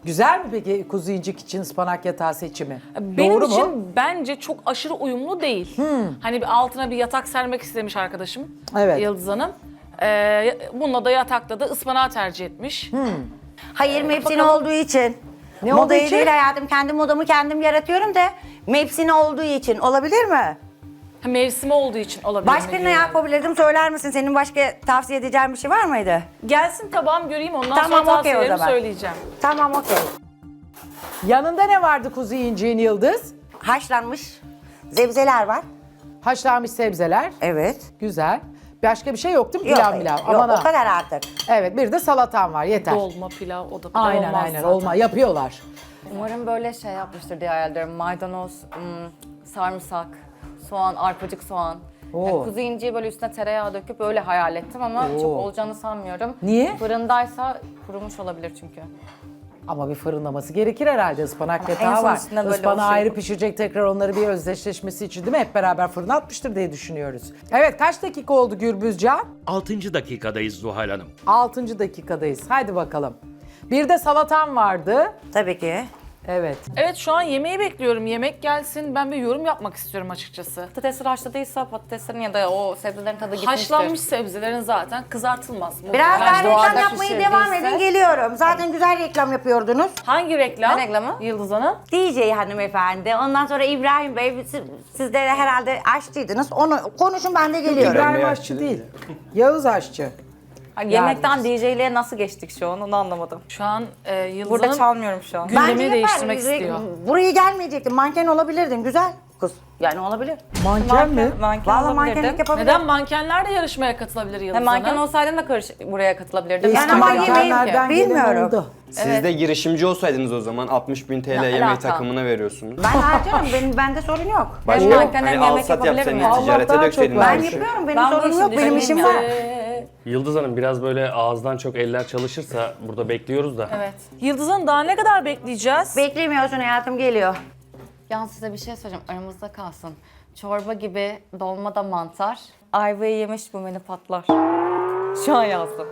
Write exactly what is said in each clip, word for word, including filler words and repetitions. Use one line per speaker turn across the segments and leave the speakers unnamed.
Güzel mi peki kuzu incik için ıspanak yatağı seçimi?
Benim
Doğru
için
mu?
bence çok aşırı uyumlu değil. Hani bir altına bir yatak sermek istemiş arkadaşım.
Evet.
Yıldız Hanım. Ee, bununla da yatakta da ıspanağı tercih etmiş.
Hayır mevsimi
bakalım.
olduğu için.
Ne olduğu
Modayı
için?
değil hayatım. Kendi modamı kendim yaratıyorum da mevsimi olduğu için. Olabilir mi?
Ha, mevsimi olduğu için olabilir mi
Başka ne
diyorum.
yapabilirdim söyler misin? Senin başka tavsiye edeceğin bir şey var mıydı?
Gelsin tabağım göreyim ondan
Tamam,
sonra
okey o
tavsiyelerimi
zaman.
söyleyeceğim.
Tamam okey.
Yanında ne vardı kuzu inciğin Yıldız?
Haşlanmış zebzeler var.
Haşlanmış sebzeler.
Evet.
Güzel. Başka bir şey yok değil mi?
Yok,
Pilav
hayır.
milav.
Yok
Aman
o
ha.
kadar artık.
Evet bir de salatan var yeter.
Dolma, pilav, o da pilav
Aynen
olmaz
aynen
zaten.
olma yapıyorlar.
Umarım böyle şey yapmıştır diye hayal ediyorum. Maydanoz, ım, sarımsak, soğan, arpacık soğan.
Oo.
Yani kuzu inciyi böyle üstüne tereyağı döküp öyle hayal ettim ama
Oo.
çok olacağını sanmıyorum.
Niye?
Fırındaysa kurumuş olabilir çünkü.
Ama bir fırınlaması gerekir herhalde. Ispanak
Ama en
yatağı
son
var.
üstüne böyle
Ispanağı
olsun.
ayrı pişirecek tekrar onları bir özdeşleşmesi için değil mi? Hep beraber fırına atmıştır diye düşünüyoruz. Evet kaç dakika oldu Gürbüzcan?
altıncı dakikadayız Zuhal Hanım.
altıncı dakikadayız. Haydi bakalım. Bir de salatan vardı.
Tabii ki.
Evet.
Evet şu an yemeği bekliyorum. Yemek gelsin. Ben bir yorum yapmak istiyorum açıkçası.
Patatesler haşladıysa patateslerin ya da o sebzelerin tadı gitmiştir.
Haşlanmış sebzelerin zaten kızartılmaz.
Biraz daha
Muhtemelen
reklam
doğada
yapmaya
pişirdiyse-
devam edin geliyorum. Zaten güzel reklam yapıyordunuz.
Hangi reklam?
Ne reklamı?
Yıldız Hanım.
D J hanımefendi. Ondan sonra İbrahim Bey. Siz, siz de herhalde aşçıydınız. Onu konuşun ben de geliyorum.
İbrahim Aşçı değil. Yağız Aşçı.
Hani yemekten D J'liğe nasıl geçtik şu an onu anlamadım.
Şu an e, Yıldız
Burada
Hanım
çalmıyorum şu an.
gündemi
Bence yapar.
değiştirmek
Re-
istiyor.
Buraya gelmeyecektin. Manken olabilirdin. Güzel kız. Yani olabilir.
Manken mi?
Manken
Vallahi
olabilirdim.
mankenlik yapabilir.
Neden mankenler de yarışmaya katılabilir Yıldız
Hem manken
Hanım?
olsaydım da karış buraya katılabilirdim.
Eski
Yani ama yemeği
mankenlerden gelen
bilmiyorum.
oldu.
Siz de girişimci olsaydınız o zaman altmış bin T L
Ne
yemek
alaka?
takımına veriyorsunuz.
Ben harcarım. Benim bende sorun yok.
Başka
Hem manken hem
hani
yemek
alsat
yapabilirim
yapsaydınız,
yani.
Allah
ticarete
daha çok
dökseydiniz.
var.
Ben
bu işi.
yapıyorum. Benim
Ben bu
sorunum
işin
yok. Benim
düzeniyim
işim
ya.
var.
Yıldız Hanım biraz böyle ağızdan çok eller çalışırsa burada bekliyoruz da.
Evet.
Yıldız Hanım daha ne kadar bekleyeceğiz?
Beklemiyorsun hayatım geliyor.
Yalnız size bir şey söyleyeceğim aramızda kalsın. Çorba gibi dolma da mantar. Ayvayı yemiş bu menü patlar. Şu an yazdım.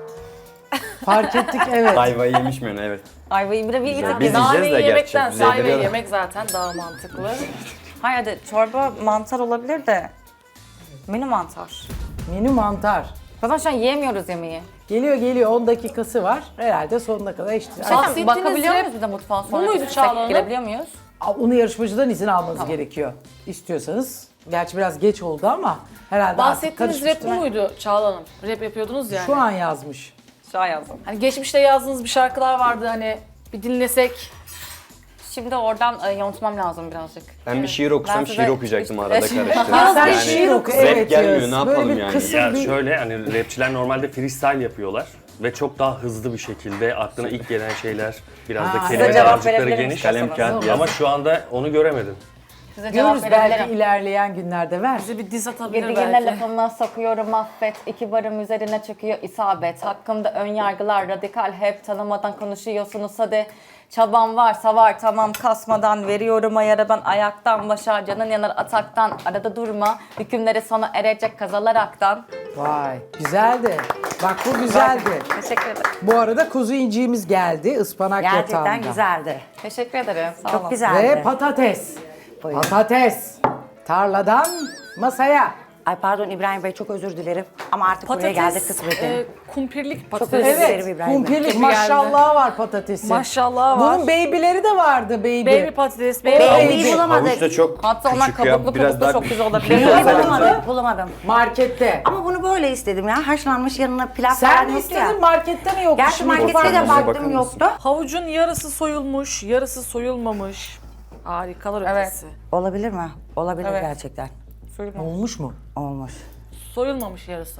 Fark ettik evet.
Ayvayı yemiş mi? Evet.
Ayvayı bir de bir
Güzel.
tık
Biz
daha...
yiyeceğiz de
Naneyi
gerçi.
yemekten,
Biz
sayve
yediriyorlar.
yemek zaten daha mantıklı.
Hayır hadi çorba mantar olabilir de menü mantar.
Menü mantar.
Zaten şu an yiyemiyoruz yemeği.
Geliyor geliyor on dakikası var. Herhalde sonuna kadar işte.
Bahsettiğiniz
Bakabiliyor
rap
muyuz bir de mutfağa
bu
sonra?
muydu
gitsek
Çağla Hanım?
Girebiliyor muyuz?
Onu yarışmacıdan izin almanız gerekiyor. İstiyorsanız. Gerçi biraz geç oldu ama herhalde artık
Bahsettiğiniz rap bu
karışmıştır.
muydu Çağla Hanım? Rap yapıyordunuz yani.
Şu an yazmış.
Şu an yazdım.
Hani geçmişte yazdığınız bir şarkılar vardı hani bir dinlesek.
Şimdi oradan e, yontmam lazım birazcık.
Ben bir şiir okusam
Ben
şiir
size
okuyacaktım
üç-
arada
beş-
karıştırıp.
Ya sen
Yani
şiir oku.
zevk
Evet
gelmiyor,
Yağız.
ne yapalım
Böyle bir
yani?
kısım
Ya
bir...
şöyle hani rapçiler normalde freestyle yapıyorlar ve çok daha hızlı bir şekilde aklına ilk gelen şeyler biraz
Ha,
da
size
kelime
cevap
dağarcıkları
verebilirim
geniş.
Kalem
isterseniz.
kağıt
Ama
yaz.
şu anda onu göremedim.
Size cevap
Görürüz belki
verebilirim.
ilerleyen günlerde ver.
Bize bir diz atabilir
Girdiğine
belki.
lafıma sokuyorum affet. İki barım üzerine çöküyor isabet. Hakkımda ön yargılar radikal hep tanımadan konuşuyorsunuz hadi. Çabam varsa var tamam kasmadan veriyorum ayarı ben ayaktan başa canın yanar ataktan arada durma hükümleri sona erecek kazalaraktan.
Vay güzeldi. Bak bu güzeldi.
Teşekkür ederim.
Bu arada kuzu inciğimiz geldi ıspanak
Gerçekten
yatağında.
güzeldi.
Teşekkür ederim. Sağ
Çok
olun.
güzeldi.
Ve patates.
Buyurun.
Patates. Tarladan masaya.
Ay pardon İbrahim Bey çok özür dilerim. Ama artık buraya
Patates,
geldik kısmeti.
e, kumpirlik
özür
patates.
dilerim.
Evet,
İbrahim Bey.
kumpirlik
Gibi
maşallah var patatesin.
Maşallah var.
Bunun baby'leri de vardı baby.
Baby patates, baby.
Baby'yi
Baby.
bulamadık.
Havuç da çok
Hatta onlar
küçük ya.
kabuklu
Biraz
kabuklu
daha
çok güzel olabilir.
küçük
Baby'yi
olsaydı güzel.
bulamadım. Bulamadım.
Markette.
Ama bunu böyle istedim ya. Haşlanmış yanına pilav
Sen
falan
mi
yoktu
istedin
ya.
markette mi yoktu?
Gerçi
Şimdi
markette de
Bakar
baktım
mısın?
yoktu.
Havucun yarısı soyulmuş, yarısı soyulmamış. Harikalar
Evet.
ötesi.
Olabilir mi? Olabilir
Evet.
gerçekten.
Olmuş mu?
Olmuş.
Soyulmamış yarısı.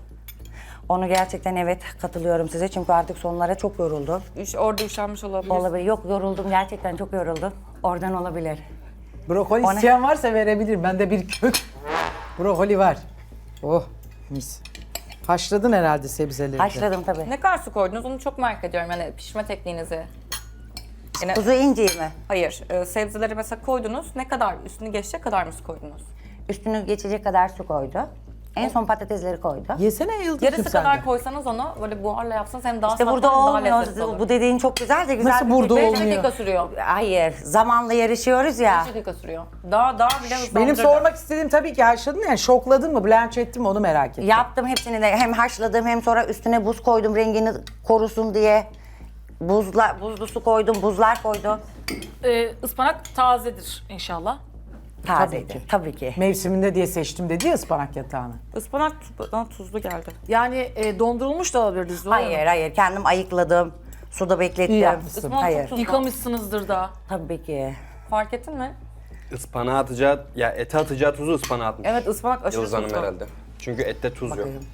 Onu gerçekten evet katılıyorum size çünkü artık sonlara çok yoruldum.
Üş, orada üşenmiş olabilir.
Olabilir. Yok yoruldum gerçekten çok yoruldum. Oradan olabilir.
Brokoli
O ne?
isteyen varsa verebilirim. Bende bir kök brokoli var. Oh mis. Haşladın herhalde sebzeleri de.
Haşladım tabii.
Ne kadar su koydunuz onu çok merak ediyorum yani pişme tekniğinizi. Yine,
Kuzu inciği mi?
hayır, e, sebzeleri mesela koydunuz. Ne kadar üstünü geçecek kadar mı su koydunuz?
Üstünü geçecek kadar su koydu. En son patatesleri koydu.
Yesene Yıldız'cığım
Yarısı
sen
kadar
de.
koysanız onu böyle buharla yapsanız hem daha
İşte
safran
burada
hem daha
olmuyor.
lezzetli olur.
Bu dediğin çok güzel de güzel
Nasıl
bir
burada
fikir.
beş
olmuyor?
dakika sürüyor.
Hayır, zamanla yarışıyoruz ya.
beş dakika sürüyor. Daha daha bile hızlandırır.
Benim sormak istediğim tabii ki haşladın yani şokladın mı, blanch ettin mi onu merak ettim.
Yaptım hepsini de hem haşladım hem sonra üstüne buz koydum rengini korusun diye. Buzla, buzlu su koydum, buzlar koydum.
Ee, ıspanak tazedir inşallah.
Tazeydi.
ki.
Tabii ki.
Mevsiminde diye seçtim dedi ya ıspanak yatağını.
Ispanak bana tuzlu geldi.
Yani e, dondurulmuş da olabilirdi Zuhal Hanım.
Hayır, hayır. Kendim ayıkladım. Suda beklettim.
İyi yapmışsın.
Ispanak
Hayır.
çok tuzlu.
Yıkamışsınızdır da.
Tabii ki.
Fark ettin mi?
Ispanağa atacağı, ya ete atacağı tuzu ıspanağa atmış.
Evet ıspanak aşırı
Yıldız Hanım
tuzlu.
herhalde. Çünkü ette tuz yok.
Bakayım.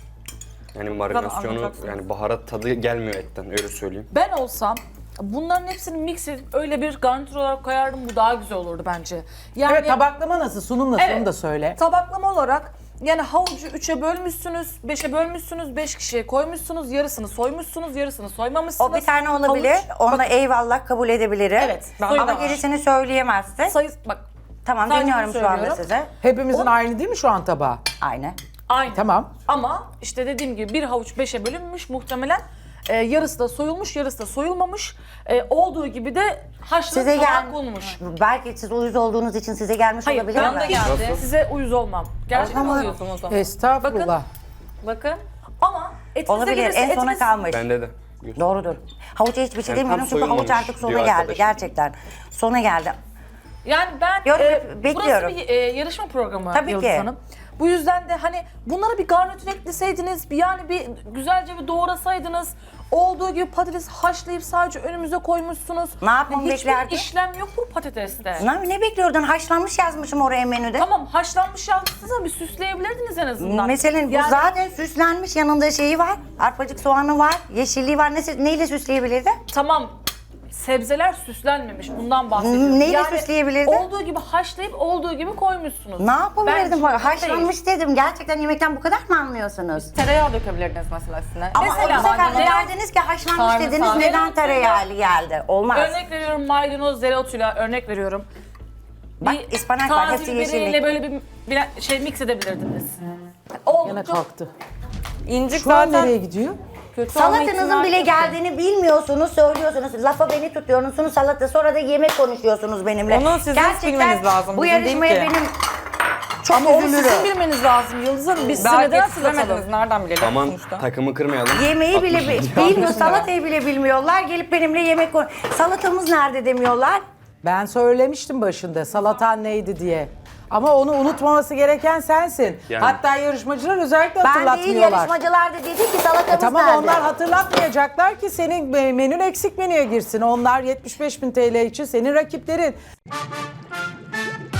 Yani marinasyonu,
anlayacaksınız.
yani baharat tadı gelmiyor etten, öyle söyleyeyim.
Ben olsam bunların hepsini mix edip öyle bir garnitür olarak koyardım. Bu daha güzel olurdu bence. Yani
Evet, tabaklama nasıl, sunum nasıl
Evet.
onu da söyle.
Tabaklama olarak yani havucu üçe bölmüşsünüz, beşe bölmüşsünüz, beş kişiye koymuşsunuz, yarısını soymuşsunuz, yarısını soymamışsınız.
O bir tane olabilir.
Havuç,
Onda
bak,
eyvallah kabul edebilirim.
Evet,
Ama
soyu da var.
gerisini söyleyemezsin.
sayı, bak
Tamam
sadece
dinliyorum
bunu
şu anda
söylüyorum.
size.
Hepimizin aynı değil mi şu an tabağı?
Aynı.
aynı.
Tamam.
Ama işte dediğim gibi bir havuç beşe bölünmüş muhtemelen. Ee, yarısı da soyulmuş, yarısı da soyulmamış. Ee, olduğu gibi de haşlanıp
Size
tabağa
gel.
konmuş.
Belki siz uyuz olduğunuz için size gelmiş
Hayır,
olabilir
ben
mi?
de geldi. Size uyuz olmam. Gerçekten
zaman-
oluyorsun o zaman.
Estağfurullah.
Bakın.
Ama etinize
Olabilir.
gelirse
En sona
etiniz-
kalmış.
Bende de.
Doğrudur. Havuca hiçbir şey
Yani
demiyorum
tam
çünkü havuç
soyulmamış
artık sona
diyor
geldi
arkadaşım.
gerçekten. Sona geldi.
Yani ben
Yorum
e,
yap- bekliyorum.
burası bir e, yarışma programı
Tabii
Yıldız
ki.
Hanım. Bu yüzden de hani bunlara bir garnitür ekleseydiniz, bir yani bir güzelce bir doğrasaydınız. Olduğu gibi patates haşlayıp sadece önümüze koymuşsunuz.
Ne yapmamı
Hiçbir
beklerdin?
işlem yok bu patateste.
Ne, ne bekliyordun? Haşlanmış yazmışım oraya menüde.
Tamam haşlanmış yazmışsınız ama bir süsleyebilirdiniz en azından.
Mesela bu
Yani-
zaten süslenmiş, yanında şeyi var. Arpacık soğanı var, yeşilliği var. Ne, neyle süsleyebilirdi?
Tamam sebzeler süslenmemiş bundan bahsediyorum.
Neyle süsleyebilirdin?
Olduğu gibi haşlayıp olduğu gibi koymuşsunuz.
Ne yapabilirdim?
Bence
Haşlanmış dedim. Gerçekten yemekten bu kadar mı anlıyorsunuz?
Tereyağı dökebilirdiniz mesela üstüne.
Ama
Mesela
bu sefer de
maydanoz-
derdiniz ki haşlanmış
Sarımsak.
dediniz. Neden
Dereotu-
tereyağı geldi? Olmaz.
Örnek veriyorum maydanoz dereotuyla örnek veriyorum.
Bak, ıspanak var,
taze
hepsi
biberiyle
yeşillik.
böyle bir, bir şey mix edebilirdiniz.
Yine
Oldukça
kalktı.
İncik
Şu an
zaten
nereye gidiyor?
kötü olma
Salatanızın
ihtimali
bile
yok.
geldiğini bilmiyorsunuz, söylüyorsunuz. Lafa beni tutuyorsunuz salata, sonra da yemek konuşuyorsunuz benimle.
Onu sizin bilmeniz lazım,
Bu
bizim değil
yarışmaya
ki.
benim çok
Ama onu
üzülürüm.
sizin bilmeniz lazım Yıldız Hanım. Biz size
Belki
neden
yetiştiremediniz,
hatırlatalım?
nereden bilelim
Aman
sonuçta.
takımı kırmayalım.
Yemeği bile
altmış
bi- bilmiyor, salatayı bile bilmiyorlar. Gelip benimle yemek konu. Salatamız nerede demiyorlar.
Ben söylemiştim başında salatan neydi diye. Ama onu unutmaması gereken sensin.
Yani-
Hatta yarışmacılar özellikle
Ben değil,
hatırlatmıyorlar.
yarışmacılar da dedi ki salatamız
E tamam
nerede?
onlar hatırlatmayacaklar ki senin e, menün eksik menüye girsin. Onlar yetmiş beş bin T L için senin rakiplerin.